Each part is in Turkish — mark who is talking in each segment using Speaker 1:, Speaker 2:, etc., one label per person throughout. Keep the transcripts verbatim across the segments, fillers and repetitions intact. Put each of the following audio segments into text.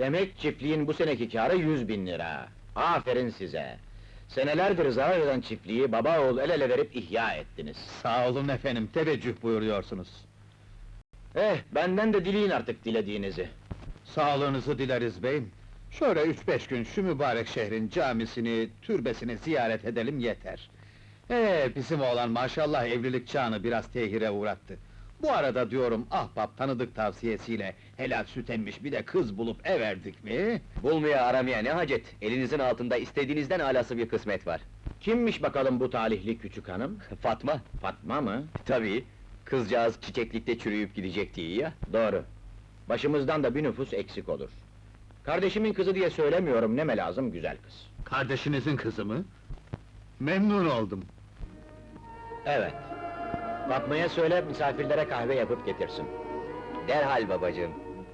Speaker 1: Demek çiftliğin bu seneki kârı yüz bin lira. Aferin size! Senelerdir zarar eden çiftliği baba oğul el ele verip ihya ettiniz.
Speaker 2: Sağ olun efendim, teveccüh buyuruyorsunuz.
Speaker 1: Eh, benden de dileyin artık dilediğinizi.
Speaker 2: Sağlığınızı dileriz beyim. Şöyle üç beş gün şu mübarek şehrin camisini, türbesini ziyaret edelim yeter. Ee, bizim oğlan maşallah evlilik çağını biraz tehire uğrattı. Bu arada diyorum, ahbap tanıdık tavsiyesiyle helal süt emmiş bir de kız bulup everdik mi?
Speaker 3: Bulmaya aramaya ne hacet? Elinizin altında istediğinizden alası bir kısmet var.
Speaker 1: Kimmiş bakalım bu talihli küçük hanım?
Speaker 3: Fatma,
Speaker 1: Fatma mı?
Speaker 3: tabii. Kızcağız çiçeklikte çürüyüp gidecekti ya.
Speaker 1: Doğru. Başımızdan da bir nüfus eksik olur. Kardeşimin kızı diye söylemiyorum, neme lazım güzel kız.
Speaker 2: Kardeşinizin kızı mı? Memnun oldum.
Speaker 1: Evet. Fatma'ya söyle, misafirlere kahve yapıp getirsin.
Speaker 3: Derhal babacığım.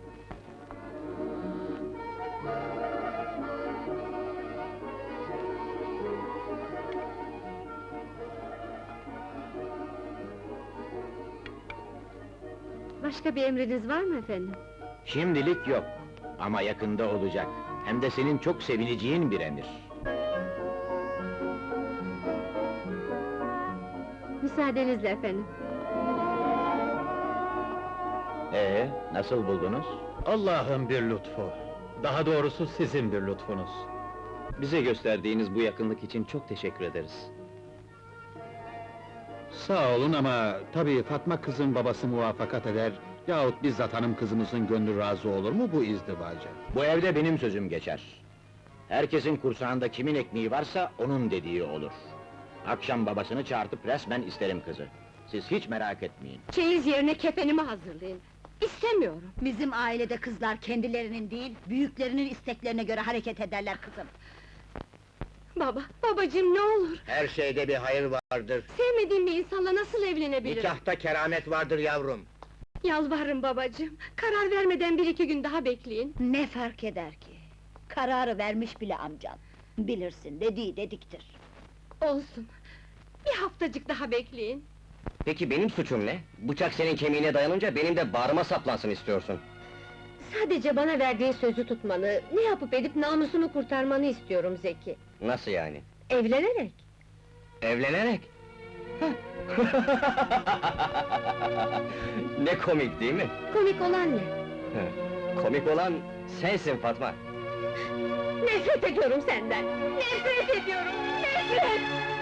Speaker 4: Başka bir emriniz var mı efendim?
Speaker 1: Şimdilik yok. Ama yakında olacak. Hem de senin çok sevineceğin bir emir.
Speaker 4: Müsaadenizle efendim.
Speaker 1: Ee, nasıl buldunuz?
Speaker 2: Allah'ın bir lütfu. Daha doğrusu sizin bir lütfunuz.
Speaker 3: Bize gösterdiğiniz bu yakınlık için çok teşekkür ederiz.
Speaker 2: Sağ olun ama tabii Fatma kızın babası muvaffakat eder yahut bizzat hanım kızımızın gönlü razı olur mu bu izdivaca?
Speaker 1: Bu evde benim sözüm geçer. Herkesin kursağında kimin ekmeği varsa onun dediği olur. Akşam babasını çağırtıp resmen isterim kızı. Siz hiç merak etmeyin.
Speaker 4: Çeyiz yerine kefenimi hazırlayın. İstemiyorum.
Speaker 5: Bizim ailede kızlar kendilerinin değil, büyüklerinin isteklerine göre hareket ederler kızım.
Speaker 4: Baba, babacığım ne olur!
Speaker 1: Her şeyde bir hayır vardır.
Speaker 4: Sevmediğim bir insanla nasıl evlenebilirim?
Speaker 1: Nikahta keramet vardır yavrum.
Speaker 4: Yalvarırım babacığım, karar vermeden bir iki gün daha bekleyin.
Speaker 5: Ne fark eder ki? Kararı vermiş bile amcan. Bilirsin, dediği dediktir.
Speaker 4: Olsun, bir haftacık daha bekleyin.
Speaker 3: Peki benim suçum ne? Bıçak senin kemiğine dayanınca benim de bağrıma saplansın istiyorsun.
Speaker 4: Sadece bana verdiğin sözü tutmanı, ne yapıp edip namusumu kurtarmanı istiyorum Zeki.
Speaker 3: Nasıl yani?
Speaker 4: Evlenerek.
Speaker 3: Evlenerek? Ne komik değil mi?
Speaker 4: Komik olan ne?
Speaker 3: Komik olan sensin Fatma.
Speaker 4: Nefret ediyorum senden! Nefret ediyorum, nefret!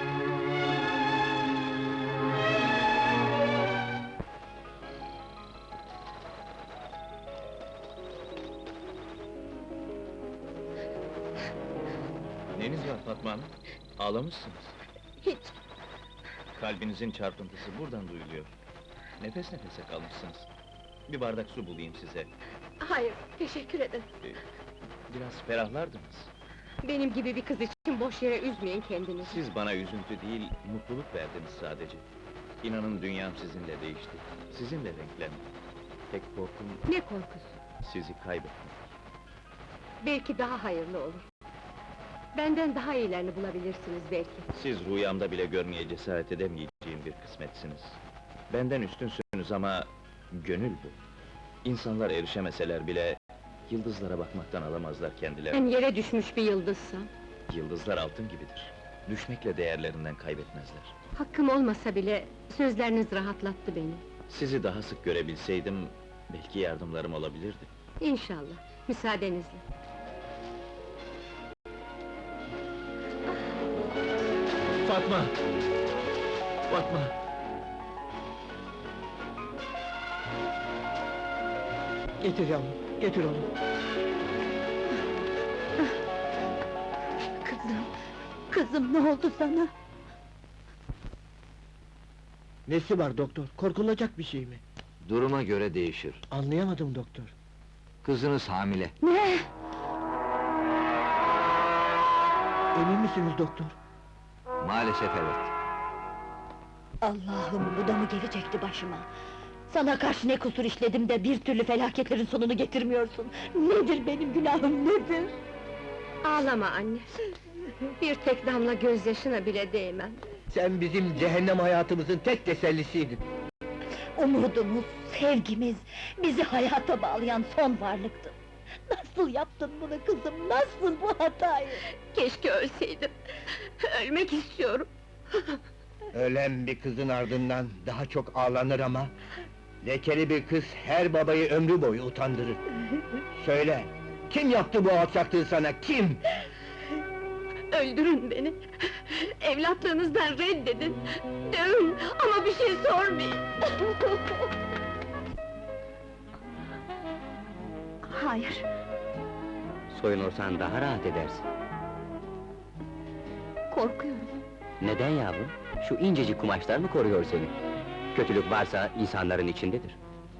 Speaker 1: Neniz var Fatma Hanım? Ağlamışsınız.
Speaker 4: Hiç,
Speaker 1: Kalbinizin çarpıntısı buradan duyuluyor. Nefes nefese kalmışsınız. Bir bardak su bulayım size.
Speaker 4: hayır, teşekkür ederim.
Speaker 1: Biraz ferahlardınız.
Speaker 4: Benim gibi bir kız için boş yere üzmeyin kendinizi.
Speaker 1: Siz bana üzüntü değil, mutluluk verdiniz sadece. İnanın dünyam sizinle değişti. Sizinle renklendi. Tek korkum
Speaker 4: Ne korkusu?
Speaker 1: sizi kaybetmek.
Speaker 4: Belki daha hayırlı olur. Benden daha iyilerini bulabilirsiniz belki.
Speaker 1: Siz rüyamda bile görmeye cesaret edemeyeceğim bir kısmetsiniz. Benden üstünsünüz ama gönül bu. İnsanlar erişemeseler bile yıldızlara bakmaktan alamazlar kendilerini.
Speaker 4: Ben yere düşmüş bir yıldızsam,
Speaker 1: Yıldızlar altın gibidir. Düşmekle değerlerinden kaybetmezler.
Speaker 4: hakkım olmasa bile sözleriniz rahatlattı beni.
Speaker 1: Sizi daha sık görebilseydim belki yardımlarım olabilirdi.
Speaker 4: İnşallah, müsaadenizle.
Speaker 1: Fatma! Fatma!
Speaker 6: Getir yavrum, getir onu.
Speaker 5: Kızım, kızım ne oldu sana?
Speaker 6: Nesi var doktor? Korkulacak bir şey mi?
Speaker 3: Duruma göre değişir.
Speaker 6: Anlayamadım doktor.
Speaker 3: Kızınız hamile.
Speaker 5: Ne?
Speaker 6: Emin misiniz doktor?
Speaker 3: Maalesef evet.
Speaker 5: Allah'ım, bu da mı gelecekti başıma? Sana karşı ne kusur işledim de bir türlü felaketlerin sonunu getirmiyorsun? Nedir benim günahım, nedir?
Speaker 4: Ağlama anne! Bir tek damla gözyaşına bile değmem.
Speaker 6: Sen bizim cehennem hayatımızın tek tesellisiydin.
Speaker 5: Umudumuz, sevgimiz, bizi hayata bağlayan son varlıktın. Nasıl yaptın bunu kızım, nasıl bu hatayı?
Speaker 4: Keşke ölseydim. Ölmek istiyorum.
Speaker 6: Ölen bir kızın ardından daha çok ağlanır ama... ...lekeli bir kız her babayı ömrü boyu utandırır. Söyle, kim yaptı bu alçaklığı sana, kim?
Speaker 4: Öldürün beni! Evlatlığınızdan reddedin! Dövün ama bir şey sormayın! Hayır,
Speaker 3: Soyunursan daha rahat edersin.
Speaker 4: korkuyorum.
Speaker 3: Neden yavrum? Şu incecik kumaşlar mı koruyor seni? Kötülük varsa insanların içindedir.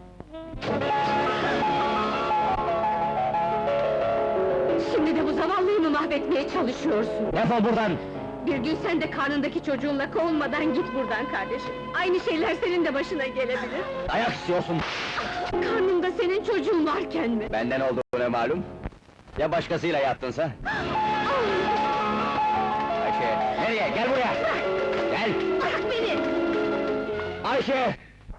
Speaker 4: Şimdi de bu zavallıyı mı mahvetmeye çalışıyorsun?
Speaker 3: Defol buradan!
Speaker 4: Bir gün sen de karnındaki çocuğunla kovulmadan git buradan kardeşim! Aynı şeyler senin de başına gelebilir!
Speaker 3: Ayak istiyorsun!
Speaker 4: Karnımda senin çocuğun varken mi?
Speaker 3: Benden olduğuna malum. Ya başkasıyla yattınsa? Ayşe, nereye? Gel buraya! Gel!
Speaker 4: Bırak beni!
Speaker 3: Ayşe!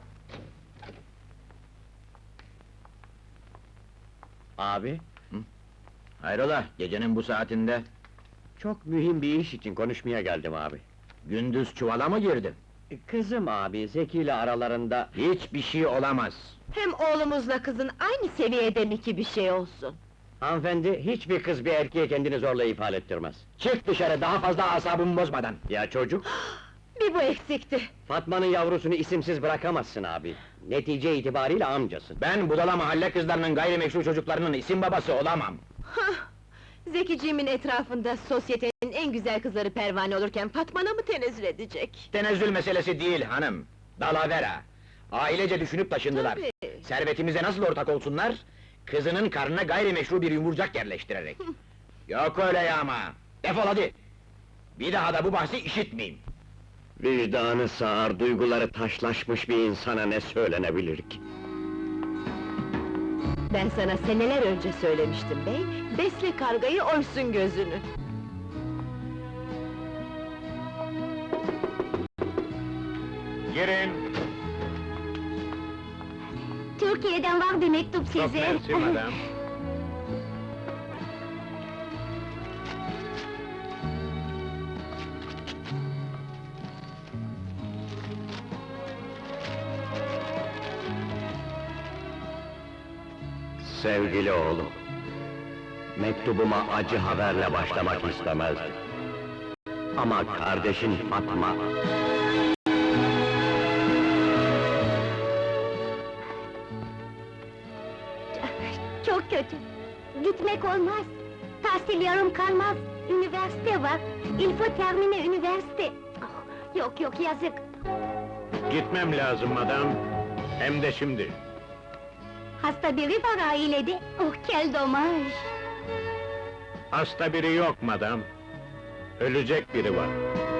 Speaker 3: Abi,
Speaker 2: Hayrola, gecenin bu saatinde?
Speaker 3: çok mühim bir iş için konuşmaya geldim abi.
Speaker 2: Gündüz çuvala mı girdin?
Speaker 3: Kızım abi, Zeki ile aralarında...
Speaker 2: Hiçbir şey olamaz.
Speaker 5: Hem oğlumuzla kızın aynı seviyede mi ki bir şey olsun?
Speaker 3: Hanımefendi, hiçbir kız bir erkeğe kendini zorla ifade ettirmez.
Speaker 2: Çık dışarı, daha fazla asabımı bozmadan!
Speaker 3: Ya çocuk?
Speaker 5: Bir bu eksikti.
Speaker 3: Fatma'nın yavrusunu isimsiz bırakamazsın abi. Netice itibariyle amcasın.
Speaker 2: Ben budala mahalle kızlarının gayrimeşru çocuklarının isim babası olamam!
Speaker 5: Zekiciğimin etrafında sosyetenin en güzel kızları pervane olurken Fatma'na mı tenezzül edecek?
Speaker 2: Tenezzül meselesi değil hanım, dalavera! Ailece düşünüp taşındılar.
Speaker 5: Tabii.
Speaker 2: Servetimize nasıl ortak olsunlar? Kızının karnına gayrimeşru bir yumurcak yerleştirerek. Yok öyle ya ama! Defol hadi! Bir daha da bu bahsi işitmeyeyim!
Speaker 3: Vicdanı sağır, duyguları taşlaşmış bir insana ne söylenebilir ki?
Speaker 5: Ben sana seneler önce söylemiştim bey, besle kargayı oysun gözünü.
Speaker 2: Girin!
Speaker 5: Türkiye'den var bir mektup size.
Speaker 2: Çok mersi madam.
Speaker 3: Sevgili oğlum, mektubuma acı haberle başlamak istemezdim. Ama kardeşin Fatma...
Speaker 7: Çok kötü. Gitmek olmaz. Tahsil yarım kalmaz. Üniversite var. Il faut terminer üniversite. Oh, yok yok yazık.
Speaker 2: Gitmem lazım madam, hem de şimdi.
Speaker 7: Hasta biri var ailede. Oh quel dommage.
Speaker 2: Hasta biri yok madam. Ölecek biri var.